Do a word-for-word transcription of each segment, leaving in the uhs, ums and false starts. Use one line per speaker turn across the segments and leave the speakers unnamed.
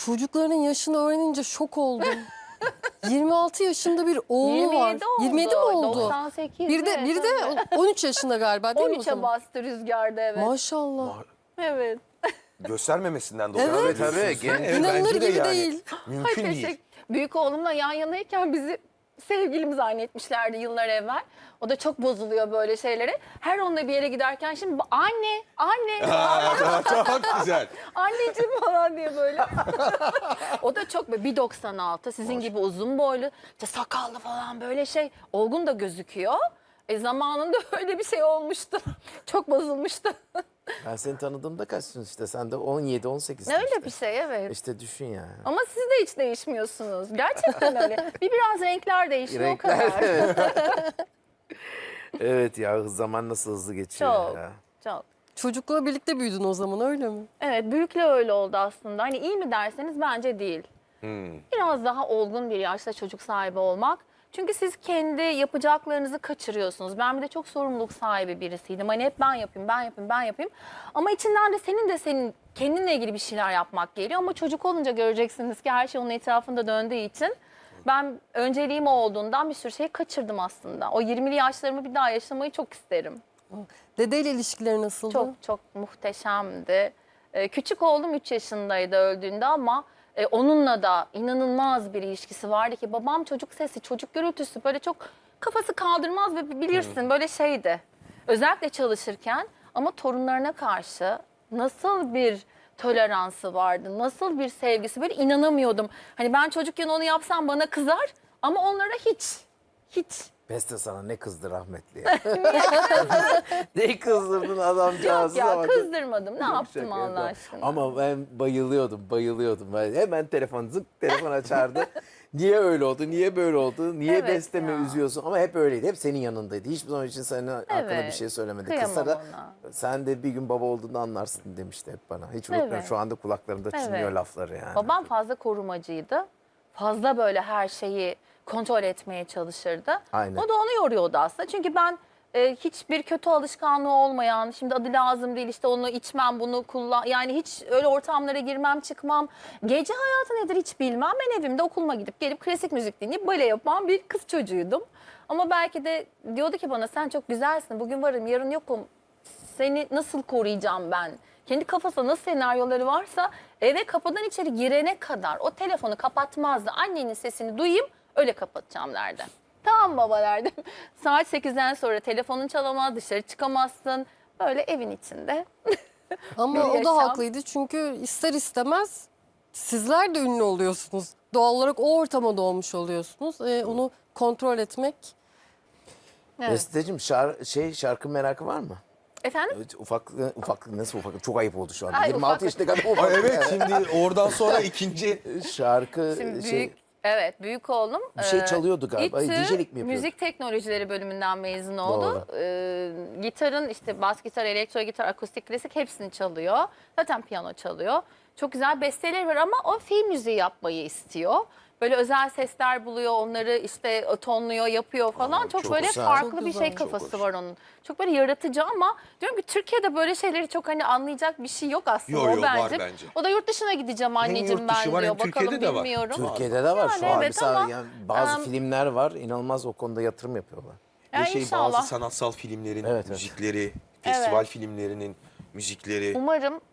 Çocukların yaşını öğrenince şok oldum. yirmi altı yaşında bir oğlu
yirmi
var.
yedi oldu.
yirmi yedi mi oldu?
doksan sekiz.
Bir de, bir de on üç yaşında galiba değil mi o
on üçe
zaman?
bastı rüzgarda, evet.
Maşallah.
Evet.
Göstermemesinden dolayı.
Evet.
Tabii.
Evet,
İnanılır
bence de
gibi
yani.
değil.
Mümkün
Ay,
değil.
teşekkür- Büyük oğlumla yan yanayken bizi sevgilimi zannetmişlerdi yıllar evvel. O da çok bozuluyor böyle şeylere. Her onunla bir yere giderken şimdi anne, anne,
Aa, çok güzel.
anneciğim falan diye böyle. O da çok böyle bir doksan altı, sizin gibi uzun boylu, işte sakallı falan böyle şey. Olgun da gözüküyor. E zamanında öyle bir şey olmuştu. Çok bozulmuştu.
Ben seni tanıdığımda kaçsın işte. Sen de on yedi on sekiz.
Öyle
işte.
bir şey, evet.
İşte düşün ya.
Ama siz de hiç değişmiyorsunuz. Gerçekten öyle. Bir biraz renkler değişiyor o kadar.
evet. Evet ya, zaman nasıl hızlı geçiyor
Çok,
ya.
çok.
Çocukla birlikte büyüdün o zaman öyle mi?
Evet, büyükle öyle oldu aslında. Hani iyi mi derseniz bence değil. Biraz daha olgun bir yaşta çocuk sahibi olmak. Çünkü siz kendi yapacaklarınızı kaçırıyorsunuz. Ben bir de çok sorumluluk sahibi birisiydim. Hani hep ben yapayım, ben yapayım, ben yapayım. Ama içinden de senin de senin kendinle ilgili bir şeyler yapmak geliyor. Ama çocuk olunca göreceksiniz ki her şey onun etrafında döndüğü için ben önceliğim o olduğundan bir sürü şeyi kaçırdım aslında. O yirmili yaşlarımı bir daha yaşamayı çok isterim.
Dedeyle ilişkileri nasıldı?
Çok çok muhteşemdi. Ee, küçük oğlum üç yaşındaydı öldüğünde ama e, onunla da inanılmaz bir ilişkisi vardı ki babam çocuk sesi, çocuk gürültüsü böyle çok kafası kaldırmaz ve bilirsin böyle şeydi. Özellikle çalışırken ama torunlarına karşı nasıl bir toleransı vardı, nasıl bir sevgisi, böyle inanamıyordum. Hani ben çocukken onu yapsam bana kızar ama onlara hiç, hiç.
Beste sana ne kızdı rahmetli ya. Ne kızdırdın adamcağızı.
Ya
ama-
kızdırmadım, ne yaptım
Şaka
Allah
yapıyorum.
aşkına.
Ama ben bayılıyordum, bayılıyordum. Ben hemen telefon zık telefon açardı. Niye öyle oldu, niye böyle oldu, niye
Evet
bestemi
ya.
üzüyorsun? Ama hep öyleydi, hep senin yanındaydı. Hiçbir zaman için senin hakkında bir
Evet,
şey söylemedi.
kıyamam
Kısa da
ona.
sen de bir gün baba olduğunu anlarsın demişti hep bana. Hiç unutmuyorum,
Evet.
şu anda kulaklarımda çınlıyor
Evet.
lafları yani.
Babam fazla korumacıydı. Fazla böyle her şeyi kontrol etmeye çalışırdı.
Aynen.
O da onu yoruyordu aslında. Çünkü ben e, hiçbir kötü alışkanlığı olmayan, şimdi adı lazım değil işte onu içmem, bunu kullan. Yani hiç öyle ortamlara girmem, çıkmam. Gece hayatı nedir hiç bilmem. Ben evimde okuluma gidip gelip klasik müzik dinleyip bale yapan bir kız çocuğuydum. Ama belki de diyordu ki bana sen çok güzelsin, bugün varım, yarın yokum. Seni nasıl koruyacağım ben? Kendi kafasında nasıl senaryoları varsa eve kapıdan içeri girene kadar o telefonu kapatmazdı. Annenin sesini duyayım öyle kapatacağım derdi. Tamam baba derdim. Saat sekizden sonra telefonun çalamaz, dışarı çıkamazsın. Böyle evin içinde.
Ama
bir
o da
yaşam.
haklıydı çünkü ister istemez sizler de ünlü oluyorsunuz. Doğal olarak o ortama doğmuş oluyorsunuz. Ee, onu kontrol etmek.
Evet.
Besteciğim şar şey şarkı merakı var mı?
Efendim?
Evet, ufak ufak nasıl ufak? Çok ayıp oldu şu anda.
Ay,
yirmi altı
ufak.
yaşında kadar ufak.
Ay, evet, şimdi oradan sonra ikinci
Şarkı
Şimdi
şey
büyük, evet büyük oğlum.
bir şey
e,
çalıyordu galiba.
İTÜ
D J'lik mi yapıyordu?
Müzik Teknolojileri bölümünden mezun oldu. E, gitarın işte bas gitar, elektro gitar, akustik, klasik hepsini çalıyor. Zaten piyano çalıyor. Çok güzel besteleri var ama o film müziği yapmayı istiyor. Böyle özel sesler buluyor, onları işte tonluyor, yapıyor falan.
Aa,
çok,
çok
böyle
güzel.
farklı
Çok
bir
güzel.
şey
Çok
kafası
hoş.
var onun. Çok böyle yaratıcı ama diyorum ki Türkiye'de böyle şeyleri çok hani anlayacak bir şey yok aslında
Yo,
o
yo, var
bence.
bence.
O da yurt dışına gideceğim anneciğim
yurt dışı
ben
var,
diyor.
hem
Bakalım
Türkiye'de de var.
bilmiyorum.
Türkiye'de de var şu
Yani
an.
evet
Mesela
ama,
yani bazı
em,
filmler var. İnanılmaz o konuda yatırım yapıyorlar.
ve
Ya
şey
inşallah.
bazı sanatsal filmlerin
Evet, evet.
müzikleri, festival
Evet.
filmlerinin müzikleri.
Umarım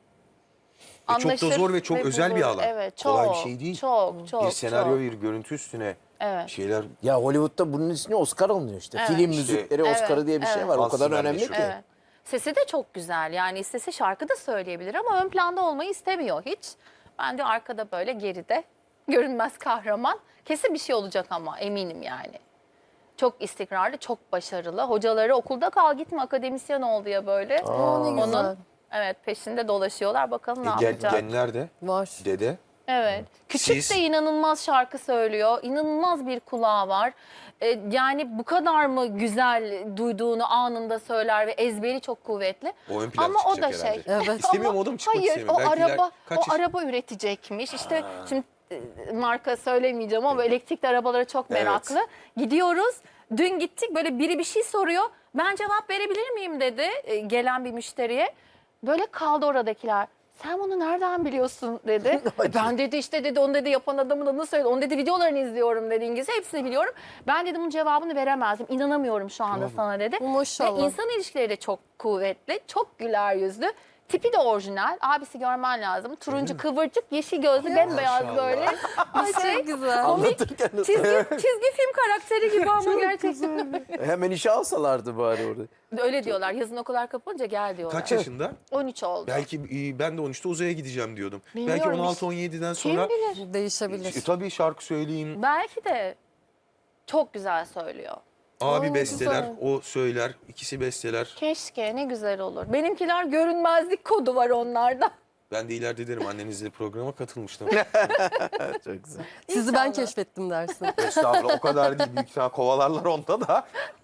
Ve çok da
anlaşır
zor ve çok özel bir
bulur.
alan.
Evet, çok,
Kolay bir şey değil.
Çok, çok,
bir senaryo,
çok.
bir görüntü üstüne
Evet.
şeyler.
Ya Hollywood'da bunun ismi Oscar alınıyor işte.
Evet.
Film
İşte-
müzikleri
Evet,
Oscar'ı diye bir şey
evet.
var. O kadar
Aslında
önemli
meşhur.
ki.
Evet. Sesi de çok güzel. Yani istese şarkı da söyleyebilir ama ön planda olmayı istemiyor hiç. Ben de arkada böyle geride görünmez kahraman. Kesin bir şey olacak ama eminim yani. Çok istikrarlı, çok başarılı. Hocaları okulda kal gitme akademisyen ol diye böyle.
Aa, ne güzel.
Onun evet peşinde dolaşıyorlar. Bakalım ne
E, gen,
yapacak.
genler de,
Var.
dede.
Evet. Küçük
Siz-
de inanılmaz şarkı söylüyor. İnanılmaz bir kulağı var. Ee, yani bu kadar mı güzel duyduğunu anında söyler ve ezberi çok kuvvetli.
O ön plana
Ama o da
çıkacak
şey.
herhalde.
Evet.
İstemiyorum
Ama
oğlum, çıkmak
hayır,
istemiyorum.
o
Belki iler-
araba
kaç
o
yaş-
araba üretecekmiş. İşte şimdi e, marka söylemeyeceğim ama elektrikli arabalara çok
Evet.
meraklı. Gidiyoruz. Dün gittik böyle biri bir şey soruyor. Ben cevap verebilir miyim dedi e, gelen bir müşteriye. Böyle kaldı oradakiler. sen bunu nereden biliyorsun dedi. E ben dedi işte dedi onu dedi yapan adamın adını söyledi. Onu dedi videolarını izliyorum dedi İngilizce. Hepsini biliyorum. Ben dedim bunun cevabını veremezdim. İnanamıyorum şu anda sana dedi.
Maşallah.
Ve insan ilişkileri de çok kuvvetli. Çok güler yüzlü. Tipi de orijinal. Abisi görmen lazım. Turuncu kıvırcık, yeşil gözlü, bembeyaz
Maşallah.
böyle.
Ay
Bir şey.
çok güzel.
Anlatırken
Çizgi, çizgi film karakteri gibi ama gerçekten.
hemen işe alsalardı bari orada.
Öyle diyorlar. Yazın okullar kapanınca gel diyorlar.
Kaç yaşında?
on üç oldu.
Belki e, ben de on üçte uzaya gideceğim diyordum.
Bilmiyorum,
Belki on
hiç-
altı on yediden
Kim
sonra
bilir?
Değişebilir.
e, tabii şarkı söyleyeyim,
Belki de çok güzel söylüyor.
abi
Ay,
besteler,
güzel.
o söyler, ikisi besteler.
Keşke ne güzel olur. Benimkiler görünmezlik kodu var onlarda.
Ben de ileride derim annenizle programa katılmıştım.
Çok güzel.
Sizi ben
İnşallah.
keşfettim dersin.
Estağfurullah o kadar değil. Büyük ihtimal kovalarlar onda da.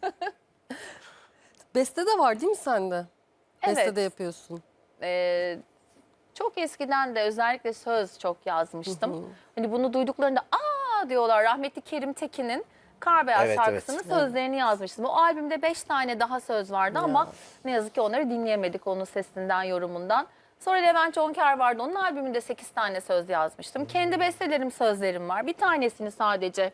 Beste de var değil mi sende? Beste
Evet.
de yapıyorsun.
Ee, çok eskiden de özellikle söz çok yazmıştım. Hani bunu duyduklarında aa diyorlar, rahmetli Kerim Tekin'in Kar Beyaz
Evet,
şarkısının
evet.
sözlerini yazmıştım. O albümde beş tane daha söz vardı ama ne yazık ki onları dinleyemedik onun sesinden, yorumundan. Sonra Levent Jonker vardı. Onun albümünde sekiz tane söz yazmıştım. Kendi bestelerim, sözlerim var. Bir tanesini sadece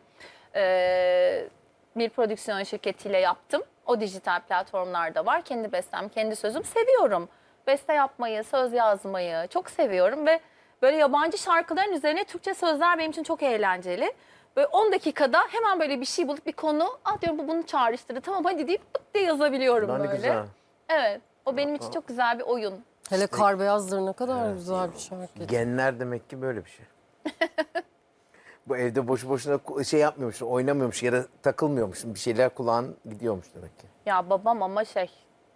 e, bir prodüksiyon şirketiyle yaptım. O dijital platformlarda var. Kendi bestem, kendi sözüm. Seviyorum. Beste yapmayı, söz yazmayı çok seviyorum ve böyle yabancı şarkıların üzerine Türkçe sözler benim için çok eğlenceli. Böyle on dakikada hemen böyle bir şey bulup bir konu, ah diyorum bu bunu çağrıştırdı. Tamam hadi deyip pıt diye yazabiliyorum
Lan ne
böyle.
güzel.
Evet. O benim için çok güzel bir oyun.
Hele Kar Beyazdır ne kadar güzel bir şarkı.
Genler demek ki böyle bir şey. Bu evde boşu boşuna ku- şey yapmıyormuş, oynamıyormuş ya da takılmıyormuş. Bir şeyler kulağın gidiyormuş demek ki.
Ya babam ama şey,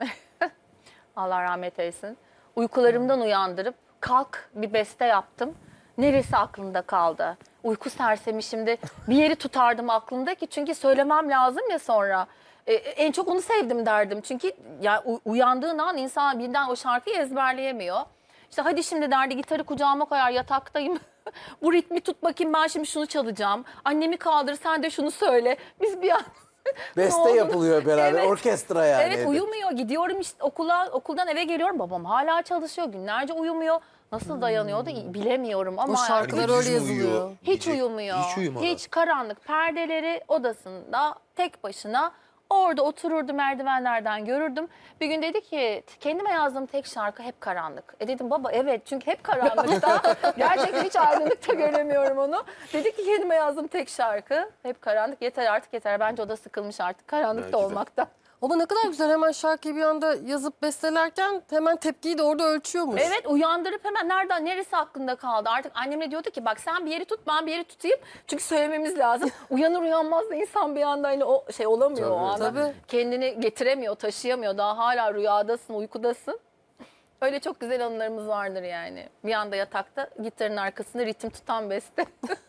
Allah rahmet eylesin. Uykularımdan uyandırıp kalk bir beste yaptım. Neresi aklında kaldı? Uyku sersemi şimdi bir yeri tutardım aklımda ki çünkü söylemem lazım ya sonra. Ee, en çok onu sevdim derdim. Çünkü ya u- uyandığın an insan birden o şarkıyı ezberleyemiyor. İşte hadi şimdi derdi gitarı kucağıma koyar yataktayım. Bu ritmi tut bakayım ben şimdi şunu çalacağım. Annemi kaldır sen de şunu söyle. Biz bir an
Beste
oldu?
yapılıyor beraber,
Evet.
orkestra yani.
Evet
evde.
uyumuyor. Gidiyorum işte okula, okuldan eve geliyorum. Babam hala çalışıyor. Günlerce uyumuyor. Nasıl dayanıyor da bilemiyorum ama
O şarkılar
Yani
öyle
gündüz mü uyuyor?
yazılıyor.
hiç
Gece-
uyumuyor.
Hiç uyumadan.
Hiç karanlık perdeleri odasında tek başına orada otururdu, merdivenlerden görürdüm. Bir gün dedi ki kendime yazdığım tek şarkı hep karanlık. E dedim baba evet çünkü hep karanlıkta. Gerçekten hiç aydınlıkta göremiyorum onu. Dedi ki kendime yazdığım tek şarkı hep karanlık. Yeter artık yeter. Bence o da sıkılmış artık karanlıkta
Belki de.
olmaktan.
Ama ne kadar güzel hemen şarkıyı bir anda yazıp bestelerken hemen tepkiyi de orada ölçüyormuş.
Evet uyandırıp hemen nereden neresi aklında kaldı artık annemle diyordu ki bak sen bir yeri tut ben bir yeri tutayım çünkü söylememiz lazım. Uyanır uyanmaz da insan bir anda hani o şey olamıyor o anda.
tabii.
Kendini getiremiyor taşıyamıyor daha hala rüyadasın uykudasın. Öyle çok güzel anılarımız vardır yani. Bir anda yatakta gitarın arkasında ritim tutan beste.